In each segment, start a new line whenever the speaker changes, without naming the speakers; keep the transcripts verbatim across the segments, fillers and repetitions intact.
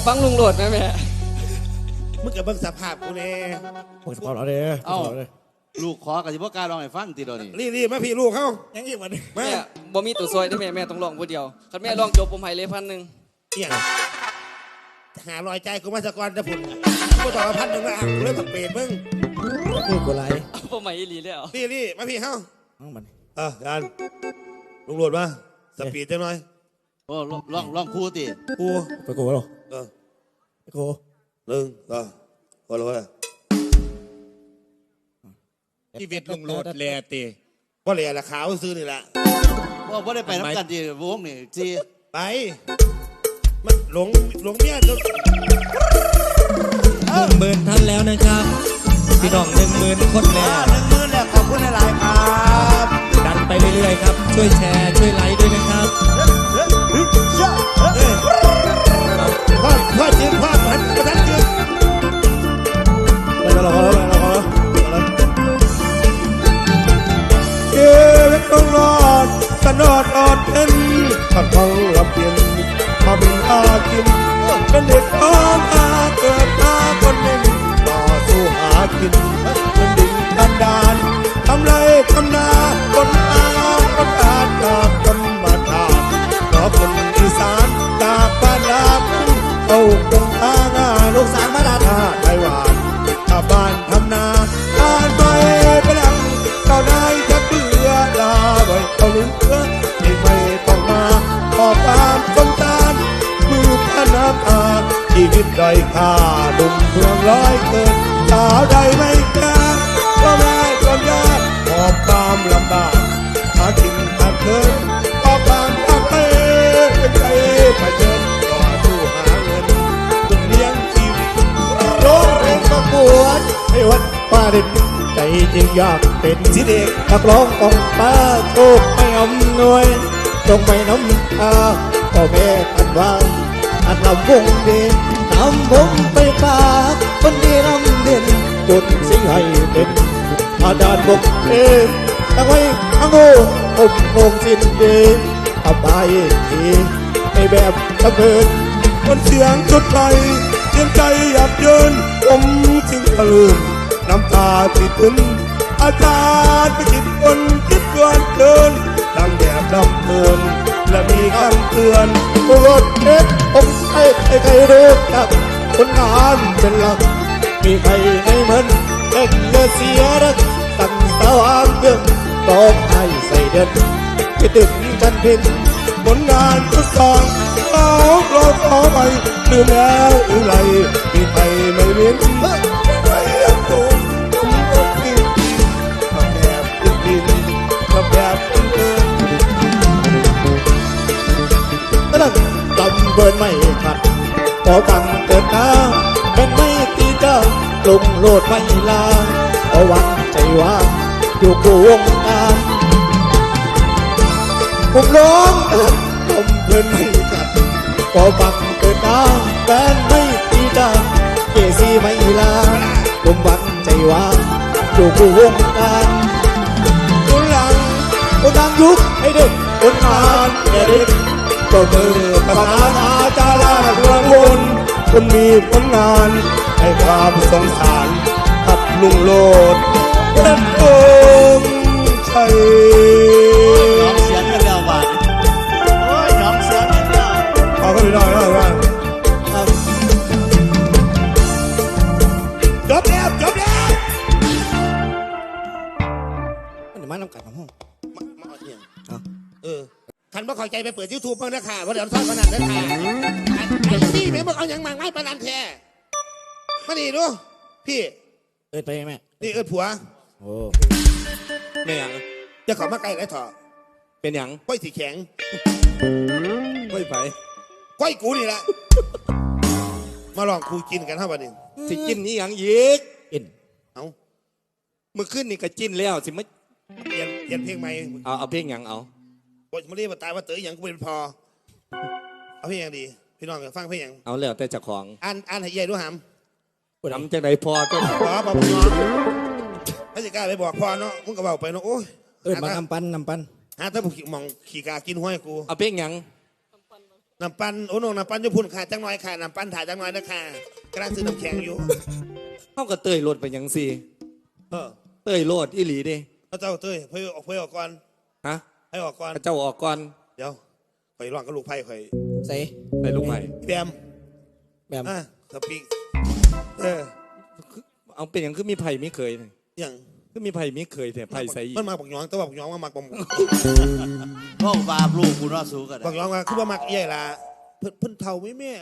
ฟังลุงโหลดไหมแม่
มึงกับเบิ่งสภาพกูแน่
พวกสปอร์ตเราเด้อเอ้า
ลูกขอกับที่พ่อกล้าลองให้ฟังทีเดียวนี่
รีบรีบมาพี่ลูกเขา
ยังอีกวันนี้
แม่บ่มีตัวซอยได้แม่แม่ต้องลองผู้เดียวคันแม่ลองจบผมให้เลยพันหนึ่ง
เอี่ยงหารอยใจกูมาสะกอนจะพุ่นกูต่อพันหนึ่งละกูเริ่มสังเปรตมึง
นี่กูไร
ผมไม่รีแล้ว
รีบรีบมาพี่เขา
เอามัน
เออการลุงโหลดมาสปีดจังหน่อย
โอ้ลองลองคู่ตี
กู
ไปกูหรอ
เออ
ไปกู
หนึ่งสองพอแล้ว
ชีวิตลุงโหลดแลตี
ว่าเหลี่ยละขาวซื้อนี่แหละ
ว่าว่าได้ไปน้ำกันจีวงนี่จี
ไปมันหลงหลงเมียจน
หนึ่งหมื่นท่านแล้วนะครับพี่น้องหนึ่งหมื่นคนแล้ว
หนึ่งหมื่นแล้วขอบคุณหลายครับ
ดันไปเรื่อยๆครับช่วยแชร์ช่วยไลค์ด้วยนะครับ
พ่อพ่อจืดพ่อพันประทันจืด
ไปแล้วเราแล้วเราแล้ว
เกล็ดต้องรอดสนอดอดเอ็นขัดทองรับเปลี่ยนมาเป็นอากินเป็นเด็กอ้อนอาเกิดมาคนหนึ่งต่อสู้หากินเป็นดิ่งดันดานทำไรทำนาคนอาคนอาจากคนมาทานขอคนอีสานจากบ้านลาเอาคงทางาลูกสาวมาดาทาไต้หวันชาวบ้านทำนาอ่านไปไปหลังเจ้านายจะเบื่อลาไว้เอาลืมเพื่อที่ไม่ต้องมาขอความสงสารมือพนักงานชีวิตด้อยค่าดุมเมืองร้อยเกินสาวใดไม่กล้าก็แม่ก็ยากขอบความลำบากหากินหาเกินขอบความทำให้ใจไปเดินต่อสู้หาเงินจนเลี้ยงชีวิตร้องเพลงประกวดให้วัดป้าเด็ดใจจริงอยากเป็นสิเด็กนักร้องของป้าโชคไม่อำนวยจงไม่น้ำตาพ่อแม่ท่านว่าอันลำวงเด่นนำผมไปฝากคนดีรำเด่นจดสิ่งให้เป็นอาจารย์บอกเองตั้งไว้ทั้งโง่ผมคงสิ้นเดชทำไปทีในแบบตะเพินคนเสียงจุดไฟเสียงใจหยาบเยินผมจึงตะลึงน้ำตาติดตึนอาจารย์ไปคิดคนคิดเกินเกินดังแบบดำเนินและมีคำเตือนรถเอ็กผมให้ใครรู้จักคนงานเป็นหลักมีใครในมันเอ็กเลือเสียรักตั้งสว่างเกินต้องให้ใส่เดินคิดถึงกันเพียงผลงานทุกสองเราเราขอไปลืมแล้วหรือไรมีใครไม่เว้นไม่เลี้ยงตัวผมก็กินทำแบบกินกินทำแบบกินเกินตั้งกำเบิร์นไม่ขัดพอฟังเกินน้ำเป็นไม่ตีเจ้าลงโลดไม่ลาเพราะวันใจว่างอยู่กูวงการผมร้องผมเบิร์นไม่ขัดพอฟังเกินน้ำเป็นไม่ตีเจ้าเกซีไม่ลาผมวันใจว่างอยู่กูวงการคนหลังคนดังยุคให้เด็กคนงานแก่เด็กก็มือประธานอาจารย์เรื่องบุญคนมีผลงานให้ความสงสารกับลุงโลดนั่นเองใช่
น้องเสียงกันแล้วว่ะโอ้ยน้องเสียงกันแล้ว
ขอก็ไม่ได้แล้วว่าจบแล้วจบแล้ว
มันมาน้ำกัดของห้อง
มาเอาเองเออขันบ่เข้าใจไปเปิดยูทูบเพิ่งนะค่ะว่าเดี๋ยวทอดขนาดนั้นค่ะไอ้พี่แม่บอกเอาอย่างมาง่ายปนันแท้มาดิดูพี่
เอิดไปแม่
นี่เอิดผัว
โอ้ไม่ยัง
จะขอมาไกลไรถอ
เป็นยัง
ก้อยสีแข็ง
ก้อยไป
ก้อยกูนี่แหละมาลองคูกินกันเท่าวันนี้
สิกินนี่ยังยิกกิน
เอา
เมื่อคืนนี่ก็จิ้นแล้วสิไม่
เปลี่ยนเปลี่ยนเพลงใหม่
เอาเอาเพลงยังเอา
บทมาเรียกมาตายว่าเต๋ออย่างกูเป็นพอเอาเพลงอย่างดีพี่น้องฟังเพลงอย่าง
เอาแล้วแต่เจ้าของ
อ่านอ่านให้ใหญ่ด้วยห
ำหำจากไหนพอก็
พอพอพอถ้าจะกล้าไปบอกพอเนาะมึงก็บอกไปเนาะโอ้ย
เออมานำปันนำปัน
ฮะถ้าผมมองขี่กากินห้อยกู
เอาเพลงยัง
น้ำปั้นโอ้โหน้ำปั้นญี่ปุ่นค่ะจังน้อยค่ะน้ำปั้นถ่ายจังน้อยนะค่ะกำลังซื้อน้ำแข็งอยู่
เข้ากับเตยโลดไปยังสิ
เออ
เตยโลดอีหลีเดิ
พระเจ้าเต้ยเพื่อออกเพื่อออกก่อน
ฮะ
ให้ออกก่อน
พระเจ้าออกก่อน
เดี๋ยวข่อยร้องกับลูกไผ่ข่อย
ใส่
ไปลูกใหม่
แบม
แบบ
อ่ะสปีกเออ
เอาเป็นอย่างคือมีไผ่มีเคยนี่
อย่าง
คือมีไผ่มีเคยแต่ไผ่ใส่อีก
มันมาบอกย้องแต่ว่าบอกย้องว่ามักบ่ม
พ่อบาปลูกกูน่าสู้กัน
บอกย้องว่าคือว่ามักเอี่ยล่ะเพิ่นเพิ่นเท่าไหม่แม่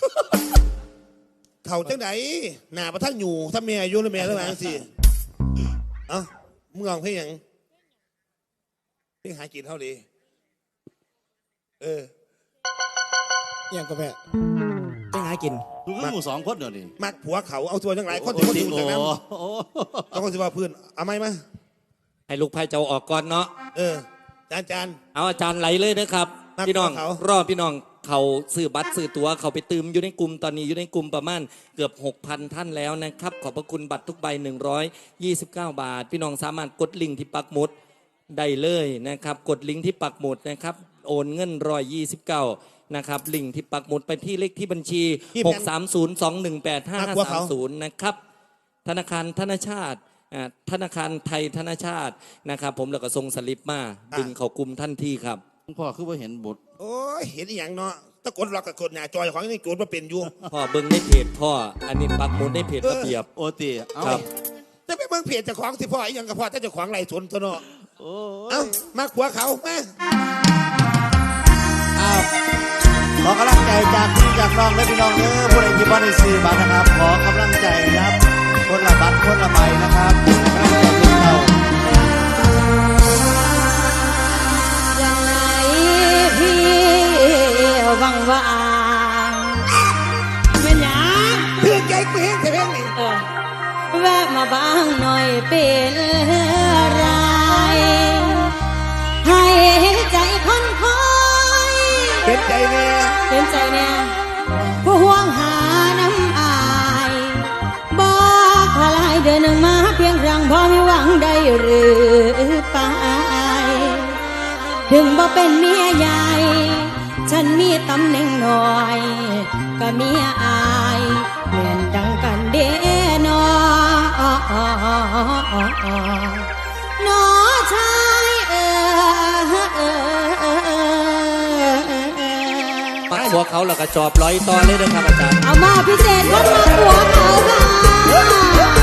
เท่าจังไหนหน้าประทังอยู่ถ้าแม่อายุแล้วแม่แล้วมาสิเอ้ามึงลองเพลงหยังเพลงหากินเท่าดีเออ
ยังก็แม่ไปหากิน
ดูคือหมู่สองคนเดี๋ยวนี้
มักผัวเขาเอาตัวจังไรคนที่คนที่
โอ้
จากนั้น
โอ้
แล้วคนที่ว่าเพื่อนเอาไหมมา
ให้ลูกไผ่เจ้าออกก่อนเนาะ
เออจานจาน
เอาอาจารย์ไหลเลยนะครับ
นับ
พี่น้อง
เขา
รอบพี่น้องเขาซื้อบัตรซื้อตั๋วเขาไปตืมอยู่ในกลุ่มตอนนี้อยู่ในกลุ่มประมาณเกือบ หกพัน ท่านแล้วนะครับ ขอบพระคุณบัตรทุกใบ หนึ่งร้อยยี่สิบเก้า บาท พี่น้องสามารถกดลิงก์ที่ปักหมุดได้เลยนะครับ กดลิงก์ที่ปักหมุดนะครับโอนเงินหนึ่งร้อยยี่สิบเก้านะครับลิงก์ที่ปักหมุดไปที่เลขที่บัญชี หก สาม ศูนย์ สอง หนึ่ง แปด ห้า ห้า สาม ศูนย์ นะครับธนาคารธนชาติอ่าธนาคารไทยธนชาตินะครับผมแล้วก็ส่งสลิปมาดึงเขากลุ่มทันทีครับ
พ่อคือว่าเห็นบท
โอ้ยเห็นอหย่างเนาะตะกดล็อกกับกดหน้าจอยของนี่กดมาเป็นอยู่
พ่อเบิ้งในเพจพ่ออันนี้ปักหมุดในเพจระเบียบ
โอตีเอ้า
ครับ
จะไปเบิ่งเพจเจ้าของสิพ่ออหย่างกับพ่อแต่เจ้าของไรสนตัวเนาะ
โอ้
เอ้ามาผัวเขามา
อ้าวขอกำลังใจจากพี่จากน้องและพี่น้องเด้อผู้ใดที่บ้านในสื่อบัตรนะครับ ขอกำลังใจนะครับคนละบัตรคนละใบนะครับกำลังใจลูกเต่า
ยังไงพี่วังวางเป็นหยัง
เพื่อนใจกูเห็นแต่เพลงนี่
เออแวะมาบ้างหน่อยเป็นไรให้ใจคนคอย
เป็นใจแม่
เป็นใจแน่ผู้ห่วงหาน้ำอายบอกพลายเดินมาเพียงครั้งพอมีหวังได้หรือไป ถึงบ่เป็นเมียใหญ่ ฉันมีตำแหน่งหน่อยก็เมียอายเหมือนดังกันเด้นอ นอชายเออเออเออเออ
ปักหัวเขาแล้วก็จอบร้อยตอนเลยนะครับอาจารย์
เอามาพิเศษคนมาหัวเขาค่ะ